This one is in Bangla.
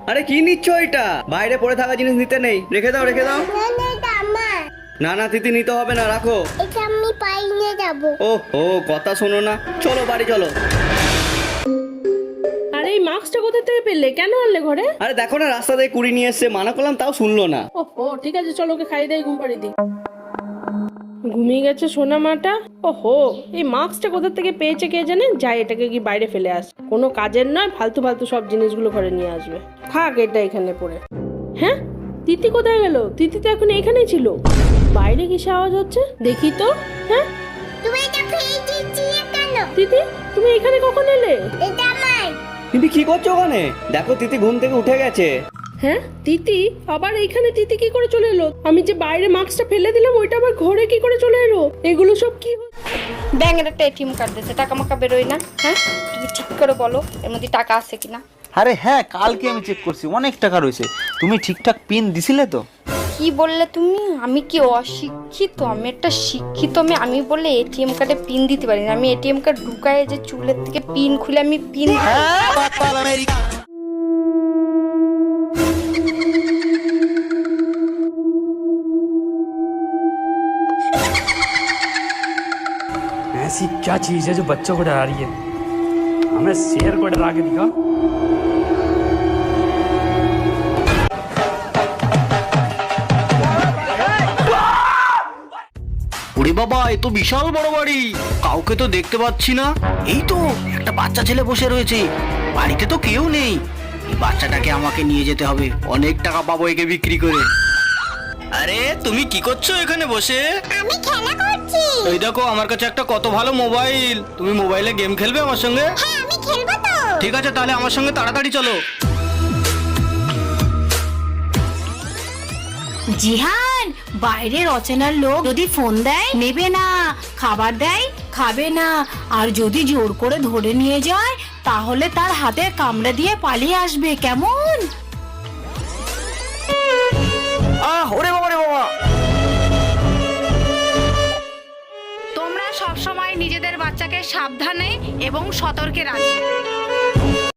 আরে কি নিচ্ছ এটা? বাইরে পড়ে থাকা জিনিস নিতে নেই, রেখে দাও রেখে দাও। না না তিথি নিতে হবে না, রাখো। এটা আমি পাই নিয়ে যাবো। ও ও কথা শোনো না, চলো বাড়ি চলো। আরে এই মাস্কটা কোথা থেকে পেলে? কেন আনলে ঘরে? আরে দেখো না, রাস্তা থেকে কুড়ি নিয়ে এসছে, মানা করলাম তাও শুনলো না। ও ঠিক আছে, চলো ওকে খাই দেয়, ঘুম পাড়ি দিই। ঘুমিয়ে গেছে সোনা মাটা। ওহো, এই মাস্কটা কোথা থেকে পেয়েছে কে জানে। যাই এটাকে কি বাইরে ফেলে আস, কোনো কাজের নয়, ফালতু ফালতু সব জিনিসগুলো ঘরে নিয়ে আসবে। থাক এটা এখানে পড়ে। হ্যাঁ, তিথি কোথায় গেল? তিথি তো এখন এখানেই ছিল। বাইরে কিসে আওয়াজ হচ্ছে দেখি তো। হ্যাঁ তুমি এটা ফেলে দিয়েছিলে কেন? তিথি, তুমি এখানে কখন এলে? এটা আমার। তিথি কি করছো ওখানে? দেখো তিথি ঘুম থেকে উঠে গেছে। হ্যাঁ তিথি আবার এইখানে? তিথি কি করে চলে এলো? আমি যে বাইরে মাস্কটা ফেলে দিলাম ওইটা আবার ঘরে কি করে চলে এলো? এগুলো সব কি ব্যাংকের একটা এটিএম কার্ড দিতে টাকা মাকা বেরোয় না। হ্যাঁ, তুমি ঠিক করে বলো এর মধ্যে টাকা আছে কিনা। আরে হ্যাঁ, কালকে আমি চেক করছি, অনেক টাকা রয়েছে। তুমি ঠিকঠাক পিন দিছিলে তো? কি বললে তুমি? আমি কি অশিক্ষিত? আমি একটা শিক্ষিত মেয়ে। আমি বললে এটিএম কার্ডে পিন দিতে পারি না? আমি এটিএম কার্ড ঢুকায় যে চুলের থেকে পিন খুলে আমি পিন ऐसी क्या चीज है जो बच्चों को डरा रही है? हमें शेर को डरा के दिखा। ওরে বাবা, এ তো বিশাল বড় বাড়ি, কাউকে তো দেখতে পাচ্ছি না। এই তো একটা বাচ্চা ছেলে বসে রয়েছে, বাড়িতে তো কেউ নেই। এই বাচ্চাটাকে আমাকে নিয়ে যেতে হবে, অনেক টাকা পাবো একে বিক্রি করে। আরে তুমি কি করছো এখানে বসে? আমি খেলা করছি। এই দেখো আমার কাছে একটা কত ভালো মোবাইল, তুমি মোবাইলে গেম খেলবে আমার সঙ্গে? হ্যাঁ আমি খেলবো তো। ঠিক আছে তাহলে আমার সঙ্গে তাড়াতাড়ি চলো। জিহান, বাইরের অচেনা লোক যদি ফোন দেয় নেবে না, খাবার দেয় খাবে না, আর যদি জোর করে ধরে নিয়ে যায় তাহলে তার হাতে কামড়ে দিয়ে পালিয়ে আসবে, কেমন? ওরে বাবা রে বাবা। তোমরা সব সময় নিজেদের বাচ্চাকে সাবধানে এবং সতর্কে রাখবে।